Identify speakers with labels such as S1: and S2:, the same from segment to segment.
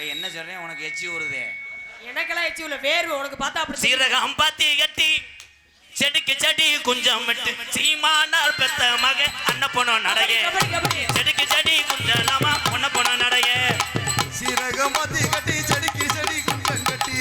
S1: என்ன சொல்றேன் உனக்கு எச்சி ஊறுதே?
S2: எனக்கெல்லாம் எச்சி உள்ள வேர்வை உனக்கு பார்த்தா அப்படி.
S1: சீரகம் பாத்தி கட்டி செடிக்கு செடி குஞ்சம் விட்டு சீமானார் பெத்த மக அண்ண போனோம் நடைய. செடிக்கு செடி குஞ்சலாமா பொண்ண போனோம் நடைய.
S3: சீரகம் பாத்தி கட்டி செடிக்கு செடி குஞ்சம் கட்டி.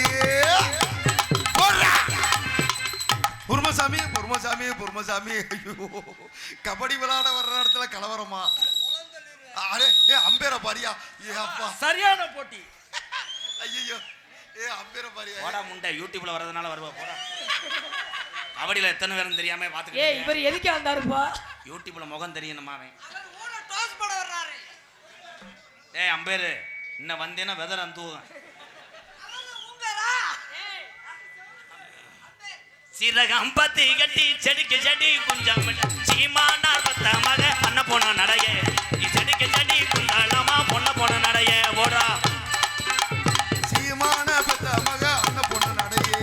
S3: பொறுமசாமி பொறுமசாமி பொறுமசாமி. ஐயோ, கபடி விளையாட வர்ற இடத்துல கலவரமா? அரே அம்பேர பாரியா? ஏ அப்பா,
S4: சரியான போட்டி.
S3: ஐயோ, அம்பேர பாரியா?
S1: போடா முண்டை, யூடியூப்ல வரதுனால வருவா போடா. கபடியில எத்தனை பேரும் தெரியாம பாத்துக்கிட்டு.
S2: ஏய், இவர் எதுக்கு வந்தாருப்பா?
S1: யூடியூப்ல முகம் தெரியணுமா அவன்?
S4: ஊர டாஸ் போட வர்றாரு.
S1: ஏய் அம்பேரு, இன்ன வந்தேனா வெதரம் தூவும். சீரகம் பத்தி கட்டி செடிக்கு செடி குஞ்சம் சீமானார் பத்த மக அண்ண போன நடைய. செடிக்கு செடி குஞ்சலாமா பொண்ண போன நடைய. ஓடா
S3: சீமான பத்த மக அண்ண போன நடையே.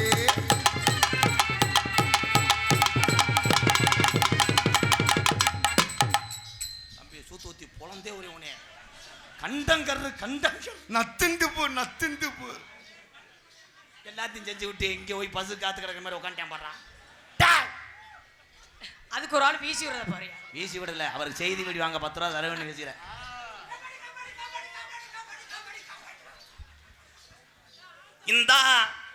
S1: தம்பி சூத்து ஊத்தி பொழந்தே ஒரே உனே கண்டங்கரு கண்டங்க
S3: நத்துண்டு போ நத்துண்டு போ.
S1: எல்லாத்தையும் செஞ்சு விட்டு இங்கே போய் பசு காத்து கிடக்கிற மாதிரி உட்காந்துட்டேன் பாடுறான்.
S2: அதுக்கு ஒரு ஆள் வீசி விடுறத பாரு.
S1: வீசி விடல, அவருக்கு செய்தி வீடி வாங்க 10 ரூபா தரவேன்னு பேசுகிறேன். இந்தா